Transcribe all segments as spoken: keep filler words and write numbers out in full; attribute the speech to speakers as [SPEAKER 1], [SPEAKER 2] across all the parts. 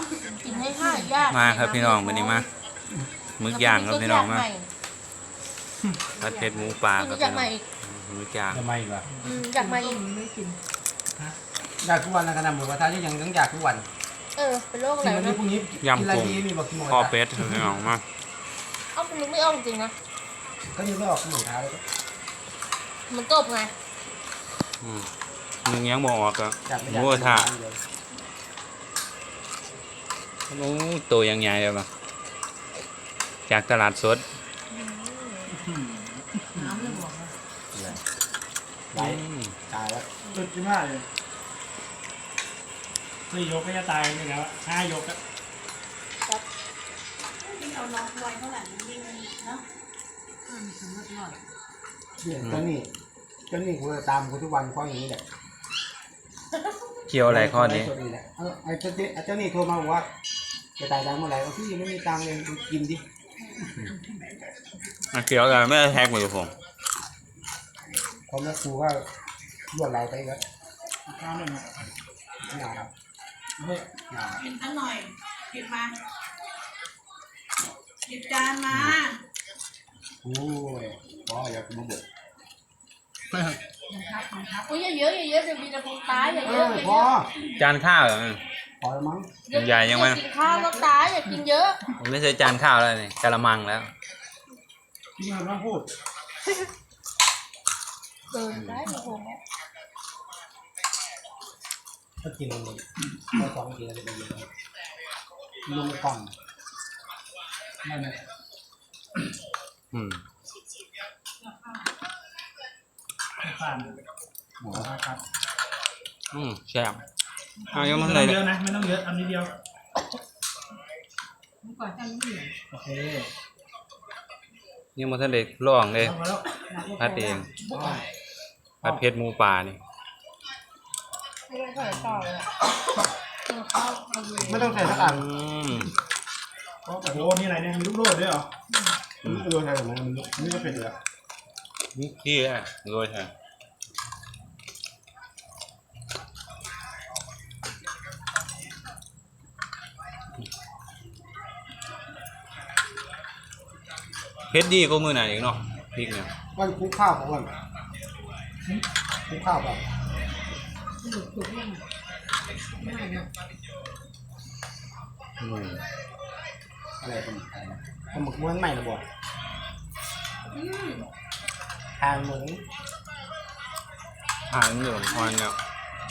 [SPEAKER 1] กินให้ข้าวยาก
[SPEAKER 2] มาครับพี่น้องวันนี้มามึกย่างครับพี่น้องมาผัดเผ็ดหมูปลาครับพี่น้องมึกย่าง
[SPEAKER 3] ทำไมวะ
[SPEAKER 1] อยากมาอีก
[SPEAKER 4] ไม่กิน
[SPEAKER 3] อยากทุกวันนะขนาดหมูกระทะที่ยังต้องอยากทุกวัน
[SPEAKER 1] เออเป็นโรคอะไร
[SPEAKER 3] กินวันนี้
[SPEAKER 1] นะ
[SPEAKER 3] พรุ่งนี้กินอะไรดีมีบอกกินหมูก
[SPEAKER 2] ข้อ
[SPEAKER 3] ระทะ
[SPEAKER 2] เป็ดพี่น้องมา
[SPEAKER 1] เอ้าคุณนึกไม่ออกจริงนะ
[SPEAKER 3] ก็ยังไม่ออกหมูกระทะเลย
[SPEAKER 1] มันกบไง
[SPEAKER 2] อืมมึงยังบอกออกอะ
[SPEAKER 3] อยากไม่
[SPEAKER 2] ห
[SPEAKER 3] อยาก
[SPEAKER 2] มูกระทะโอ้ตัวยังใหญ่เลยปะจากตลาดสด
[SPEAKER 4] น้ำเลยบอกว่า
[SPEAKER 3] ไหลตายแล้ว
[SPEAKER 5] สุดที่มากเลยสี่ยกก็จะตายนี่แล้วห้ายกอะ
[SPEAKER 4] ยิ่งเอาน้องไว้เท่าไหร่ยิ่งเนาะมันสมมติหน่อย
[SPEAKER 3] เนี่ยเจ้านี่เจ้านี่กูจะตามกูทุกวันเพราะอย่างนี้แหละ
[SPEAKER 2] เกี่ยวอะไรข้อนี้
[SPEAKER 3] เออไอ้เจ้าเจ้านี่โทรมาบอกว่าจะตายดังเมื่อไหร่เอาพี่ยังไม่มีตังค์เลยกินดิ
[SPEAKER 2] อ่ะเกี่ยวอะไรไม่ได้แท็กมือผม
[SPEAKER 3] พอแม่ครูก็รวดไหลไปก็
[SPEAKER 5] ข้าวหนึ่งอะ
[SPEAKER 3] ไม่เอาครับเฮ้ยไม่เอา
[SPEAKER 4] กินสักหน่อยหยิบมาหยิบจานมา
[SPEAKER 3] โอ้ยพ่ออยากกินมาเบิด
[SPEAKER 1] อุ้ยเยอะๆเยอะๆเดี๋ยวมีแต่คนตายอย่า
[SPEAKER 3] เอ
[SPEAKER 1] เยอะ
[SPEAKER 3] อ
[SPEAKER 1] อย่า
[SPEAKER 3] พ่อ
[SPEAKER 1] เยอะ
[SPEAKER 2] จานข้าวเหรอ
[SPEAKER 3] พอแล้วมั้ง
[SPEAKER 2] ใหญ่ยังไง
[SPEAKER 1] กินข้าวแล้วตายอย่ากินเยอะ
[SPEAKER 2] ผมไม่ใช่จานข้าวแล้วนี่กะละมังแล้ว
[SPEAKER 5] ที่มันต้องพูด
[SPEAKER 1] เกินได้โอ้โห
[SPEAKER 3] ถ้ากินมันไม่สองกินอะไรไปเยอะลุงกล่องไม่ไม่
[SPEAKER 2] อืม
[SPEAKER 5] ผ่าน
[SPEAKER 3] หมู
[SPEAKER 5] ครับ
[SPEAKER 2] อืมแซ่บอ่ะยัง
[SPEAKER 5] ไม่
[SPEAKER 2] มัน
[SPEAKER 5] ต้
[SPEAKER 2] เล
[SPEAKER 5] อย งเยอะนะไม่ต้องเยอะอันนี้เดียว
[SPEAKER 4] เมื่อก่อนจำไม่ได้
[SPEAKER 5] โอเค
[SPEAKER 2] ยังมันทะเลล่องเลย
[SPEAKER 5] เอามาแล้ว
[SPEAKER 2] พัดเองพัดเผ็ดหมูป่านี่
[SPEAKER 1] ไม่ต้องใส่ต่อเลยอะ
[SPEAKER 3] ไม่ต้องใส่สักอัน
[SPEAKER 2] อืม
[SPEAKER 5] โอ้โหนี่อะไรเนี่ยมีลูกโดดด้วยเหรอ
[SPEAKER 3] โดนใส่หมูมันนี่ก็เป็นเลย
[SPEAKER 2] นี่ขี้อ่ะโรยใช่เผ็ดดีก็มือไหนอีกเนาะพริกเนี่ย
[SPEAKER 3] วันคุกข้าวของวันคุกข้าวเปล่า
[SPEAKER 4] หลุดถูกยังไม่เนาะ
[SPEAKER 2] อืม
[SPEAKER 3] อะไรเป็นอะไรปลาหมึกม้วนใหม่ระบบทานหมู
[SPEAKER 2] อ่านเหลืองอ่อนเนี่ย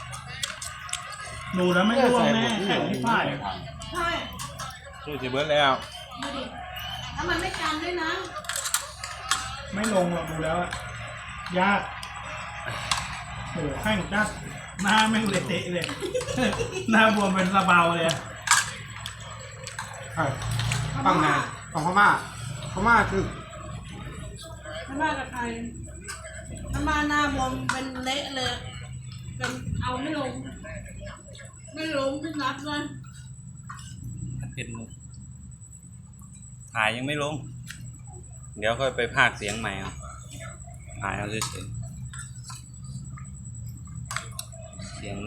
[SPEAKER 5] ดูแล้วไม่ร่วงแน่แข็งที่ป้าย
[SPEAKER 4] ใช่
[SPEAKER 2] ช่วยจะเบิร์ดแล้ว
[SPEAKER 4] ดูดิแล้วมันไม่กันด้วยนะ
[SPEAKER 5] ไม่ลงหรอกดูแล้วอะยากโอ้โหแข้งจัดหน้าแม่งเละเตะเลย หน้าบวมเป็นระเบาเลยอะ
[SPEAKER 3] ใช่ฝั่งไหนฝั่งพม่าพม่าคือ
[SPEAKER 4] ไม่ว่ากับใครถ้ามาหน้าบวมเป็นเละเลยเป็นเอาไม่ลง ไม่ลงไม่นับเลย
[SPEAKER 2] เผ็ดหมูถ่ายยังไม่ลง เดี๋ยวค่อยไปพากย์เสียงใหม่เอาถ่ายเอาเฉยๆเสียง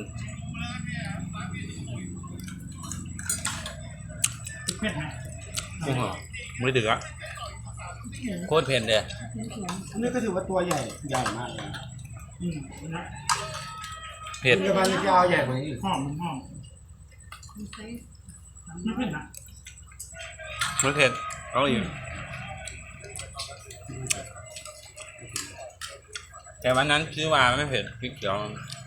[SPEAKER 5] เผ็ดไหม
[SPEAKER 2] โอ้โหไม่ถึงอ่ะโคตรเผ็ดเลย
[SPEAKER 3] อันนี้ก็ถือว่าตัวใหญ่ใหญ่มากเลย
[SPEAKER 5] อืมนะ
[SPEAKER 2] เผ็ด
[SPEAKER 3] เดี๋ยวพันธุ์จะเอาใหญ่กว่านี้อีก
[SPEAKER 5] หอมมันหอมไม่เผ็ดนะ
[SPEAKER 2] ไม่เผ็ดเอาอีกแต่วันนั้นซื้อมาไม่เผ็ดพริกเขียว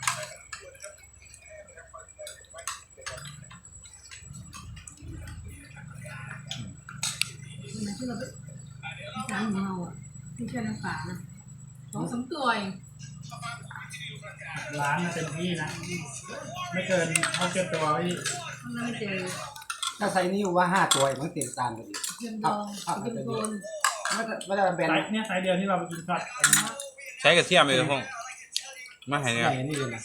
[SPEAKER 4] ที่เราไปร้านของเราอ่ะที่แค่น้ำปลานะสองสามตัวเอง
[SPEAKER 5] ร้านน่ะเต็มที่นะ ไม่เกินเท่าเกินตัวพี่
[SPEAKER 4] ข้างหน้าไม่เจอ
[SPEAKER 3] ถ้าไซส์นี้ว่าห้าตัวมันเต็มตามกันอีก
[SPEAKER 4] เทียมดองเทียมโดน
[SPEAKER 3] ไม่ได้ไม่ได้แบน
[SPEAKER 5] ไซส์เนี่ยไซส์เดียวที่เราไปกินผัดอันนี้
[SPEAKER 2] ใช้กระเทียมเลยพงมาให้
[SPEAKER 3] ให
[SPEAKER 2] เนี่ย
[SPEAKER 3] ญ่นี่เลยนะ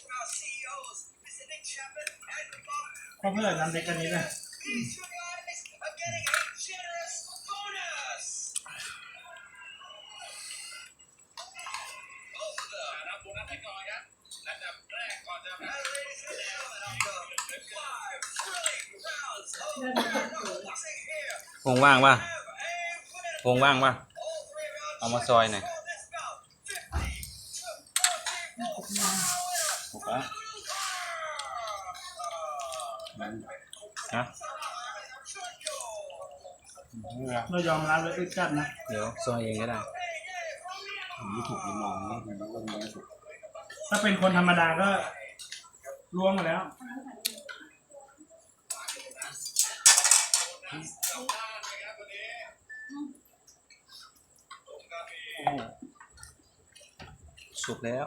[SPEAKER 5] ก็เพื่อนน้ำเล็กอันนี้เลย
[SPEAKER 6] Five,
[SPEAKER 2] พงว่างป่ะพงว่างป่ะเอามาซอยหน่อยถูกแล้วฮะ
[SPEAKER 5] เรายอมรับเลยอึดจัดนะ
[SPEAKER 2] เดี๋ยวซอยเองก็ได้
[SPEAKER 3] ผมไม่ถูกมองนี่มันต้องไม่ถูก
[SPEAKER 5] ถ้าเป็นคนธรรมดาก็ล่วงมาแล้ว
[SPEAKER 2] สุกแล้ว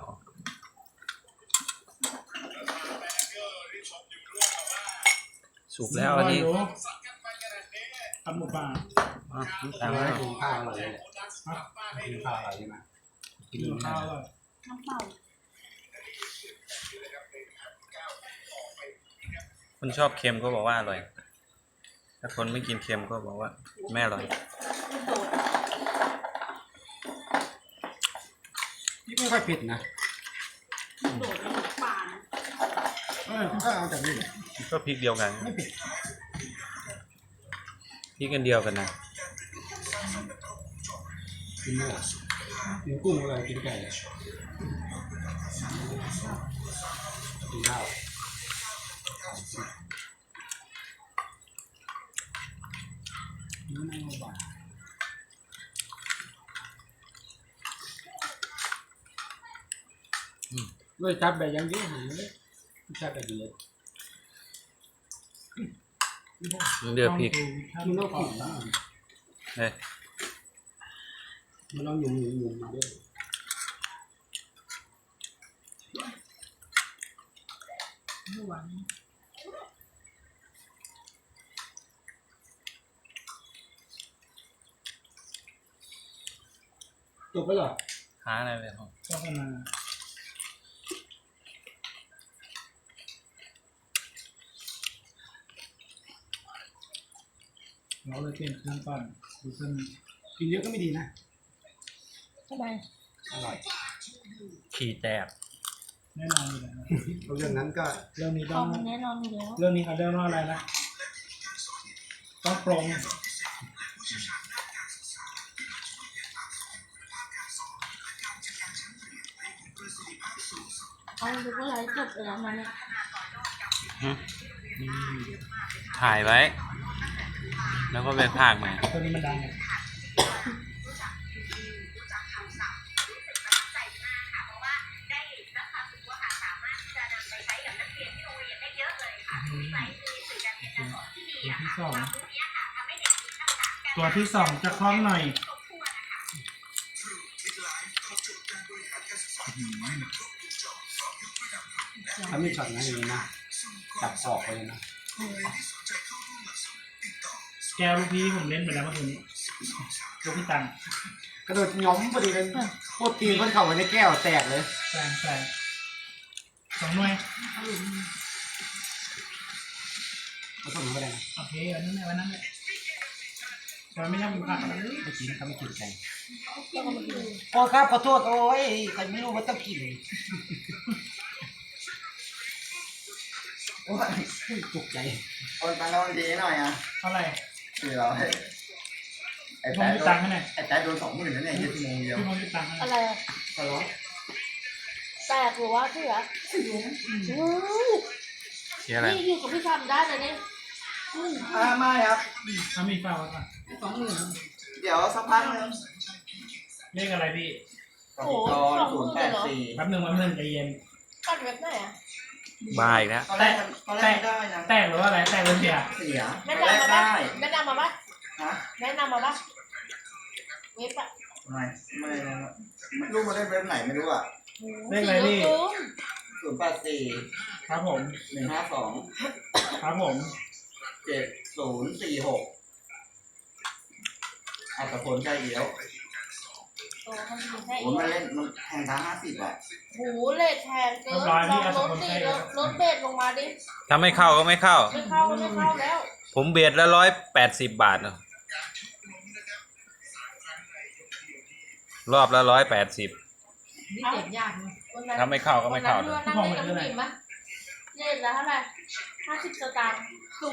[SPEAKER 2] สุกแล้วอันนี้
[SPEAKER 5] ทำหมูป่า
[SPEAKER 2] อ่ะน้ำตา
[SPEAKER 3] ทำ
[SPEAKER 2] ล
[SPEAKER 3] ให้
[SPEAKER 2] แล้ว
[SPEAKER 3] กินข้าวอะไรเนี่ยกินข้าวอะไรใช่ไหมกิน
[SPEAKER 5] กินข้า
[SPEAKER 3] ข้าว ว
[SPEAKER 5] เลย
[SPEAKER 1] น้ำเปล่า
[SPEAKER 2] คนชอบเค็มก็บอกว่าอร่อย ถ้าคนไม่กินเค็มก็บอกว่าไม่อร่อย
[SPEAKER 3] นี่ไม่ค่อยเผ็ดนะ
[SPEAKER 4] โดดลงป่านะ
[SPEAKER 3] เออก็เอาจากนี่
[SPEAKER 2] ก็พริกเดียวกัน
[SPEAKER 3] ไม่เผ็ด
[SPEAKER 2] พริกกันเดียวกันนะ
[SPEAKER 3] กินเนื้อกินกุ้งอะไรกินไก่กินข้าวนี่น่าลำบากด้วยจับแบบยังเยอะหายเลยจับแบบเยอะ
[SPEAKER 2] เดือดพริก
[SPEAKER 3] มันต้องขิง
[SPEAKER 2] เฮ้ย
[SPEAKER 3] มันต้องยุ่มยุ่มยุ่มมาด้วยจบไปเหรอ
[SPEAKER 2] หาอะไรไปของ
[SPEAKER 5] โฆษณาเราเลยเปลี่ยนเครื่องปั่นดูเส้น
[SPEAKER 3] กินเยอะก็ไม่ดีนะ
[SPEAKER 1] ทำไม
[SPEAKER 3] อร่อย
[SPEAKER 2] ขี่แตก
[SPEAKER 5] แน่นอนอยู่แล้ว
[SPEAKER 3] เรื่องนั้นก็
[SPEAKER 5] เรื่องนี้ต้
[SPEAKER 1] เอา
[SPEAKER 5] อง
[SPEAKER 1] มันแน่นอนอยู่แล้ว
[SPEAKER 5] เรื่องนี้เขาเรียกว่าอะไรนะต้องปรง
[SPEAKER 1] เอาดูว่าไรจบไปแล้วมันเนี่ย
[SPEAKER 2] หึถ่ายไว้ แล้วก็ไปพากย์ใหม่
[SPEAKER 5] ตัวนี้มันดังไง ตัวที่สองตัวที่สองจะคล้องหน่อย
[SPEAKER 3] ถ้ามีช็อตนั้นอย่างนี้นะจับขอบไปเลยนะ
[SPEAKER 5] แก้วลูกพี่ผมเล่นไปแล้วเมื่อคืนนี้ลูกพี่ตัง
[SPEAKER 3] กระโดดง้อมพอดีเลยโคตรตีนคนเข่าไว้ในแก้วแตกเลย
[SPEAKER 5] แซงแซงสองหน่วย
[SPEAKER 3] เขาส่งมาได้นะ
[SPEAKER 5] โอเคอันนั้นแหละวันนั้นแหละแต่ไม่ชอบกินผักอะไรเลย
[SPEAKER 3] ไม่กินเขาไม่กินกัน
[SPEAKER 1] แล้วก็มาดู
[SPEAKER 3] โอ้ครับขอโทษโอ้ยใครไม่รู้ว่าต้องกินโอ้ยตกใจ
[SPEAKER 6] โอนตังค์เราดีหน่อยอ่ะ
[SPEAKER 5] เท่าไหร่
[SPEAKER 6] คือเราให้ไอ้
[SPEAKER 5] ผม
[SPEAKER 6] แป๊ะ
[SPEAKER 5] มี
[SPEAKER 6] โด
[SPEAKER 5] ตัง
[SPEAKER 6] น
[SPEAKER 5] ค์ให้หน่อย
[SPEAKER 6] ไอ้แป๊ะโดนสองหมื่นนั่นเองยี่สิบโมงเดียว
[SPEAKER 5] พี่ผมมีตังค์ให้หน่
[SPEAKER 1] อะ
[SPEAKER 5] อย
[SPEAKER 1] ไรอะ
[SPEAKER 6] ตลอด
[SPEAKER 1] แตกหรือว่าเสืออืม
[SPEAKER 2] เชียร์อะไร
[SPEAKER 1] นี่อยู่กับพี่ทำได้เลยเนี่ยอืม
[SPEAKER 6] อ่าไม่ครับ
[SPEAKER 5] ถ้ามีฝากไว้ก่อน
[SPEAKER 6] เดี๋ยวสักพักนึง
[SPEAKER 5] เลขอะไรพี่
[SPEAKER 6] กสิกรศูนย์แปดสี่
[SPEAKER 5] แป๊บหนึ่งแป๊บหนึ่งใจเย็น
[SPEAKER 1] กัดเว็บไหนอะ
[SPEAKER 2] บายอีกแล้ว
[SPEAKER 6] ตอนแรกมันตอนแรกมันได้นะ
[SPEAKER 5] แตกหรือว่าอะไรแตกหรือเสีย
[SPEAKER 6] เสีย
[SPEAKER 1] แนะ
[SPEAKER 6] ตอนแรก
[SPEAKER 1] นำมาปะ
[SPEAKER 6] ได้
[SPEAKER 1] แนะนำมาปะ
[SPEAKER 6] ฮะ
[SPEAKER 1] แนะนำมาปะเว็บอะ
[SPEAKER 6] ไม่ไม่ไม่รู้มาได้เว็บไหนไม่รู้อ่ะ
[SPEAKER 5] เลขอะไรพี่
[SPEAKER 6] ศูนย์แปดสี่
[SPEAKER 5] ครับผม
[SPEAKER 6] หนึ่งห้าสอง
[SPEAKER 5] ครับผม
[SPEAKER 6] เจ็ดศูนย์สี่หกอัตพลใจเอี้ยว
[SPEAKER 1] โอ้มันมีแค่
[SPEAKER 6] โอ้มันเล่นมันแทงตาห้าสิบอ่ะ
[SPEAKER 1] หูเลทแทงเกินลองรถดิรถรถเบรลงมาดิ
[SPEAKER 2] ถ้าไม่เข้าก็ไม่เข้า
[SPEAKER 1] ไม่เข้าก็ไม่เข้าแล้ว
[SPEAKER 2] ผมเบียดละร้อยแปดสิบบาทเนอะรอบละร้อยแปดสิบ
[SPEAKER 1] นี่เจ็บยากนะวันนั้น
[SPEAKER 2] ถ้าไม่เข้าก็ไม่เข้า
[SPEAKER 1] วันนั้นเรือนั่งเล่นกับผู้หญิงปะเล่นแล้วเท่าไหร่ห้าสิบสตางค์